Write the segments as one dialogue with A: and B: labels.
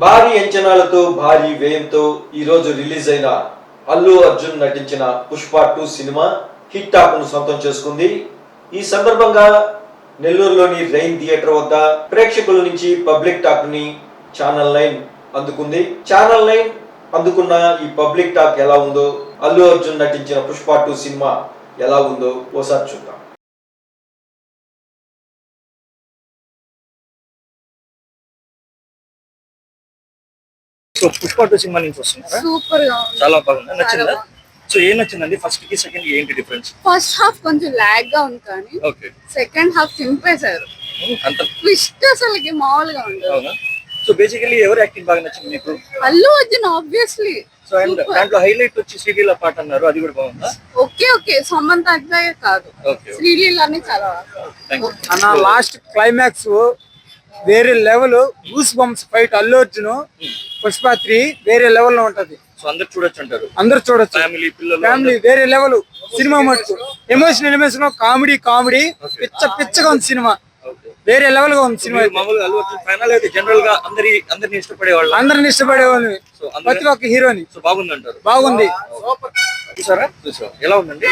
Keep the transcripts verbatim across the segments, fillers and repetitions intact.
A: భారీ అంచనాలతో భారీ వ్యయంతో ఈ రోజు రిలీజ్ అయిన అల్లు అర్జున్ నటించిన పుష్ప టూ సినిమా హిట్ టాక్ ను సొంతం చేసుకుంది. ఈ సందర్భంగా నెల్లూరులోని రైన్ థియేటర్ వద్ద ప్రేక్షకుల నుంచి పబ్లిక్ టాక్ ని ఛానల్ నైన్ అందుకుంది. ఛానల్ నైన్ అందుకున్న ఈ పబ్లిక్ టాక్ ఎలా ఉందో, అల్లు అర్జున్ నటించిన పుష్ప టూ సినిమా ఎలా ఉందో ఓసారి చూద్దాం.
B: సో పుష్ప టూ సినిమా నుంచి వస్తున్నారా?
C: సూపర్ గా ఉంది,
B: చాలా బాగుంది. నచ్చిందా? సో ఏం నచ్చిందండి? ఫస్ట్ కి సెకండ్ కి ఏంటి డిఫరెన్స్?
C: ఫస్ట్ హాఫ్ కొంచెం లాగ్ గా ఉంది కానీ
B: ఓకే,
C: సెకండ్ హాఫ్ చింపేశారు.
B: అంత
C: ట్విస్ట్ అసలుకి మామూలుగా ఉండదు.
B: అవునా? సో బేసికలీ ఎవరు యాక్టింగ్ బాగా నచ్చింది మీకు?
C: Allu Arjun obviously.
B: So and దాంట్లో హైలైట్ వచ్చి శ్రీలీల పాట అన్నారు, అది కూడా బాగుందా?
C: ఓకే ఓకే సమంత అట్లాగే కాదు,
B: ఓకే,
C: శ్రీలీలని చాలా
D: అన్న లాస్ట్ క్లైమాక్స్ వేరే level. Goose bumps fight Allu Arjun Pushpa three వేరే లెవెల్ లో ఉంటది.
B: సో అందరు చూడొచ్చు అంటారు,
D: అందరు చూడొచ్చు.
B: ఫ్యామిలీ పిల్లలు
D: ఫ్యామిలీ వేరే లెవెల్ సినిమా మటుకు. ఎమోషన్ ఎలిమేషన్ కామెడీ కామెడీ పిచ్చ పిచ్చగా ఉంది సినిమా, వేరే లెవెల్ గా ఉంది సినిమా.
B: మామూలుగా అల్లు అర్జున్ ఫైనల్ అయితే జనరల్ గా అందరి అందరిని ఇష్టపడే వాళ్ళు,
D: అందరిని ఇష్టపడే వాళ్ళు, ప్రతి ఒక్క హీరోని.
B: సో బాగుంది అంటారు.
D: బాగుంది.
B: చూసారా? చూసా. ఎలా ఉందండి?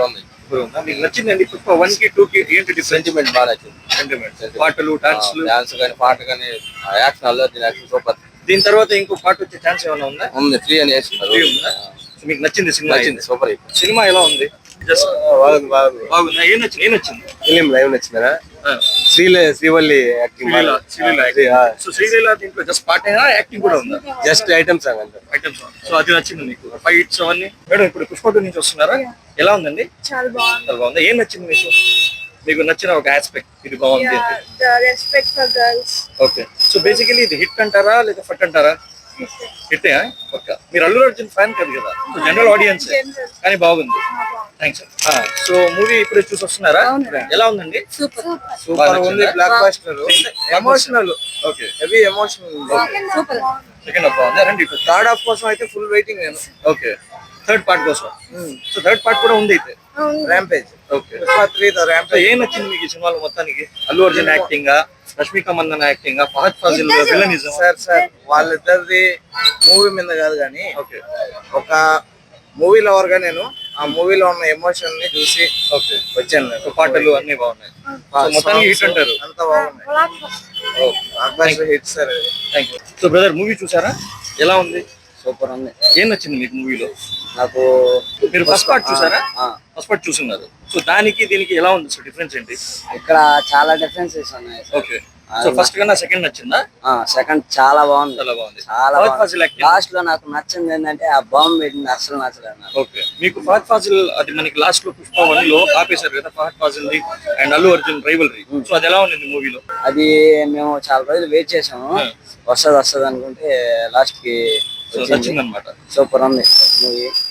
B: మీకు నచ్చిందండి పుష్ప వన్ కి టూ కి ఏంటి డిఫరెన్స్?
E: సెంటిమెంట్ బాగా నచ్చింది.
B: సెంటిమెంట్, పాటలు, డాన్స్లు,
E: డాన్స్ కానీ పాట కానీ action Allu Arjun action super.
B: దీని తర్వాత ఇంకో పాట వచ్చే ఛాన్స్ ఏమైనా ఉందా?
E: ఉంది, త్రీ అని వేస్తున్నారు.
B: Three ఉందా? సో మీకు నచ్చింది సినిమా?
E: నచ్చింది, సూపర్.
B: సినిమా ఎలా ఉంది? జస్ట్
E: బాగుంది బాగుంది
B: బాగుందా? ఏం నచ్చింది? ఏం నచ్చింది?
E: ఫిలిం లైవ్ నచ్చిందా? శ్రీల Srivalli acting
B: Sreeleela, Sreeleela acting. So Sreeleela దీంట్లో జస్ట్ పాట అయినా యాక్టింగ్ కూడా ఉందా?
E: జస్ట్ ఐటమ్ సాంగ్ అంతే.
B: Item song. సో అది నచ్చింది మీకు? ఫైట్స్ అవన్నీ. మేడం ఇప్పుడు పుష్ప టూ నుంచి వస్తున్నారా? ఎలా ఉందండి?
C: చాలా బాగుంది.
B: చాలా బాగుంది. ఏం నచ్చింది మీకు? మీకు నచ్చిన ఒక ఆస్పెక్ట్ ఇది బాగుంది.
C: Respect for girls.
B: Okay, so basically ఇది హిట్ అంటారా లేదా ఫట్ అంటారా? హిట్. ఓకే, మీరు అల్లు అర్జున్ ఫ్యాన్ కాదు కదా, సో జనరల్ ఆడియన్స్ కానీ బాగుంది. థ్యాంక్స్. సో మూవీ ఇప్పుడు చూసి వస్తున్నారా? ఎలా ఉందండి?
C: సూపర్
E: సూపర్ ఉంది. Blockbuster, emotional.
B: Okay,
E: heavy emotional.
C: Super.
B: Second half బాగుంది. రండి
E: థర్డ్ హాఫ్ కోసం అయితే ఫుల్ వెయిటింగ్ నేను.
B: ఓకే, థర్డ్ పార్ట్ కోసం. సో థర్డ్ పార్ట్ కూడా ఉంది అయితే.
E: Rampage.
B: Okay,
E: three the
B: so
E: rampage.
B: ఏం నచ్చింది మీకు ఈ సినిమాలో మొత్తానికి? Allu Arjun acting, Rashmika Mandanna acting, Fahadh Faasil villainism.
E: Sir sir వాళ్ళిద్దరిది మూవీ మీద కాదు కానీ
B: ఓకే,
E: ఒక మూవీ లవర్ గా నేను ఆ మూవీలో ఉన్న ఎమోషన్ ని చూసి
B: ఓకే,
E: వచ్చాను నేను.
B: సో పాటలు అన్ని బాగున్నాయి. సో మొత్తానికి హిట్ అంటారు.
E: అంత బాగున్నాయి. Hit sir.
B: Thank you. So brother movie చూసారా? ఎలా ఉంది?
E: సూపర్ ఉంది.
B: ఏం నచ్చింది మీకు మూవీలో?
E: నాకు
B: మీరు ఫస్ట్ పార్ట్ చూసారా?
E: ఆ,
B: ఫస్ట్ పార్ట్ చూస్తున్నారు. సో దానికి దీనికి ఎలా ఉంది? సో డిఫరెన్స్ ఏంటి?
F: ఇక్కడ చాలా డిఫరెన్సెస్ ఉన్నాయి.
B: ఓకే, సో ఫస్ట్ కన్నా సెకండ్ నచ్చిందా?
F: సెకండ్ చాలా బాగుంది,
B: చాలా బాగుంది.
F: చాలా
B: ఫహద్ ఫాజిల్ యాక్టింగ్.
F: లాస్ట్ లో నాకు నచ్చింది ఏంటంటే ఆ బాంబు పెట్టింది అసలు నచ్చలేదు నాకు.
B: ఓకే, మీకు ఫహద్ ఫాజిల్ అది మనకి లాస్ట్ లో పుష్ప వన్ లో ఆపేశారు కదా, ఫహద్ ఫాజిల్ ది and Allu Arjun rivalry. So అది ఎలా ఉంది మూవీలో?
F: అది మేము చాలా రోజులు వెయిట్ చేసాము, వస్తుంది వస్తుంది అనుకుంటే లాస్ట్ కి
B: నచ్చింది అనమాట.
F: సూపర్ ఉంది మూవీ.